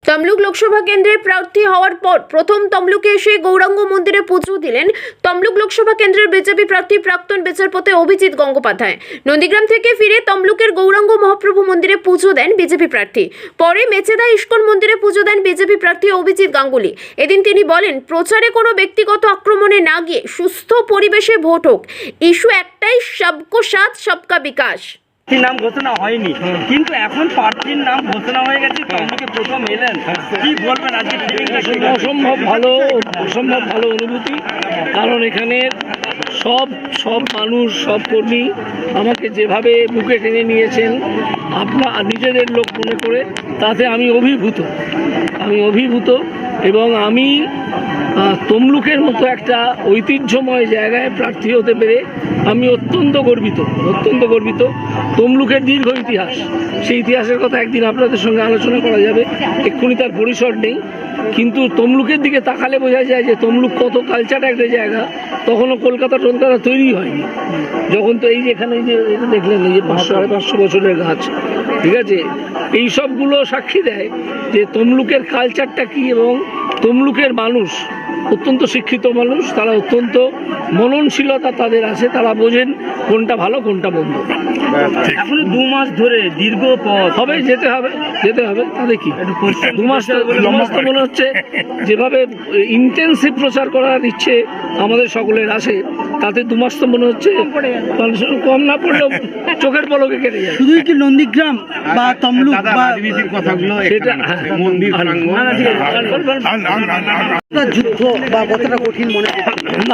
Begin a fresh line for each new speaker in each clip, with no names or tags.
তমলুক লোকসভা কেন্দ্রে প্রার্থী হওয়ার পর প্রথম তমলুকে এসে গৌরাঙ্গ মন্দিরে পুজো দিলেন তমলুক লোকসভা কেন্দ্রের বিজেপি প্রার্থী প্রাক্তন বিচারপতি অভিজিৎ গঙ্গোপাধ্যায়। নন্দীগ্রাম থেকে ফিরে তমলুকের গৌরাঙ্গ মহাপ্রভু মন্দিরে পুজো দেন বিজেপি প্রার্থী। পরে মেচেদা ইস্কন মন্দিরে পুজো দেন বিজেপি প্রার্থী অভিজিৎ গাঙ্গুলি। এদিন তিনি বলেন, প্রচারে কোনো ব্যক্তিগত আক্রমণে না গিয়ে সুস্থ পরিবেশে ভোট হোক। ইস্যু একটাই, সবকো সাথ সবকা বিকাশ।
নাম ঘোষণা হয়নি, কিন্তু এখন প্রার্থীর নাম ঘোষণা হয়ে গেছে। তমলুকে প্রথম এলেন, কি বলবেন আজকে?
অসম্ভব ভালো অনুভূতি, কারণ এখানে সব মানুষ, সব কর্মী আমাকে যেভাবে বুকে টেনে নিয়েছেন আপনার নিজেদের লোক মনে করে, তাতে আমি অভিভূত এবং আমি তমলুকের মতো একটা ঐতিহ্যময় জায়গায় প্রার্থী হতে পেরে আমি অত্যন্ত গর্বিত। তমলুকের দীর্ঘ ইতিহাস, সেই ইতিহাসের কথা একদিন আপনাদের সঙ্গে আলোচনা করা যাবে, এক্ষুনি তার পরিসর নেই। কিন্তু তমলুকের দিকে তাকালে বোঝা যায় যে তমলুক কত কালচার একটা জায়গা। তখনও কলকাতা তৈরি হয়নি যখন, তো এই যে এখানে যে এটা দেখলেন, এই যে 500-550 বছরের গাছ, ঠিক আছে, এই সবগুলো সাক্ষী দেয় যে তমলুকের কালচারটা কি। এবং তমলুকের মানুষ অত্যন্ত শিক্ষিত মানুষ, তারা অত্যন্ত মননশীলতা তাদের আছে, তারা বোঝেন কোনটা ভালো কোনটা মন্দ।
এখনো 2 মাস ধরে দীর্ঘ পথ
হবে, যেতে হবে তাদের কি 2 মাস তো মনে হচ্ছে যেভাবে ইন্টেন্সিভ প্রচার করার ইচ্ছে আমাদের সকলের আছে, তাতে 2 মাস তো মনে হচ্ছে কম না পড়লেও চোখের পলকে কেটে যায়।
শুধুই কি নন্দীগ্রাম বা তমলুক বা
কথাগুলো
সেটা
মন্দির
যুদ্ধ বা কতটা কঠিন মনে
না,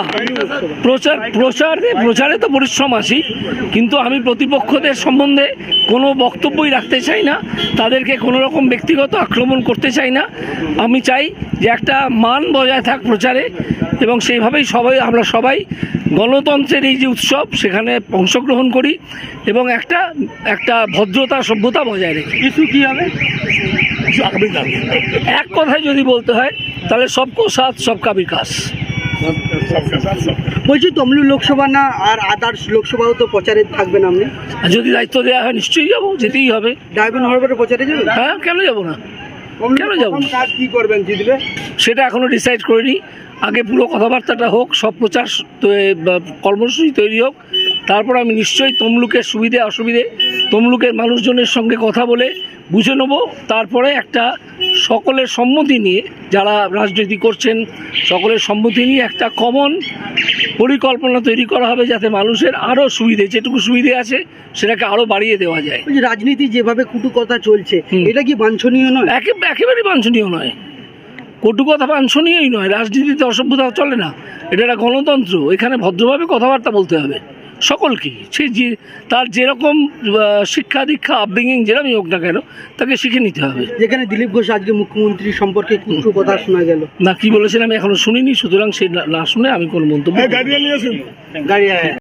প্রচারে তো পরিশ্রম আসি, কিন্তু আমি প্রতিপক্ষদের সম্বন্ধে কোনো বক্তব্যই রাখতে চাই না, তাদেরকে কোনো রকম ব্যক্তিগত আক্রমণ করতে চাই না। আমি চাই যে একটা মান বজায় থাক প্রচারে, এবং সেইভাবেই আমরা সবাই গণতন্ত্রের এই যে উৎসব, সেখানে অংশগ্রহণ করি এবং একটা ভদ্রতা সভ্যতা বজায় রেখে।
কিছু কি হবে?
এক কথায় যদি বলতে হয় তাহলে সবকো সাথ সবকা বিকাশ।
বলছি, তমলুক লোকসভা না আর আদার্স লোকসভাও তো প্রচারে থাকবেন আপনি?
আর যদি দায়িত্ব দেওয়া হয় নিশ্চয়ই যাবো, যেতেই হবে।
ডায়মন্ড হারবারে প্রচারে যাবেন?
হ্যাঁ, কেন যাবো না?
কাজ কি করবেন জিতবে?
সেটা এখনো ডিসাইড করিনি। আগে পুরো কথাবার্তাটা হোক, সব প্রচার কর্মসূচি তৈরি হোক, তারপর আমি নিশ্চয়ই তমলুকের সুবিধে অসুবিধে তমলুকের মানুষজনের সঙ্গে কথা বলে বুঝে নেব। তারপরে একটা সকলের সম্মতি নিয়ে, যারা রাজনীতি করছেন সকলের সম্মতি নিয়ে একটা কমন পরিকল্পনা তৈরি করা হবে, যাতে মানুষের আরও সুবিধে, যেটুকু সুবিধে আছে সেটাকে আরও বাড়িয়ে দেওয়া যায়।
রাজনীতি যেভাবে কটু কথা চলছে, এটা কি বাঞ্ছনীয় নয়?
একেবারেই বাঞ্ছনীয় নয়, কটু কথা বাঞ্ছনীয়ই নয়। রাজনীতিতে অসভ্যতা চলে না, এটা একটা গণতন্ত্র। এখানে ভদ্রভাবে কথাবার্তা বলতে হবে সকলকে, সে যে তার যেরকম শিক্ষা দীক্ষা আপব্রিঙ্গিং যেরকমই হোক না কেন, তাকে শিখে নিতে হবে।
যেখানে দিলীপ ঘোষ আজকে মুখ্যমন্ত্রী সম্পর্কে কিছু কথা শোনা গেল,
না কি বলেছেন আমি এখনো শুনিনি, সুতরাং সে না শুনে আমি কোনো মন্তব্য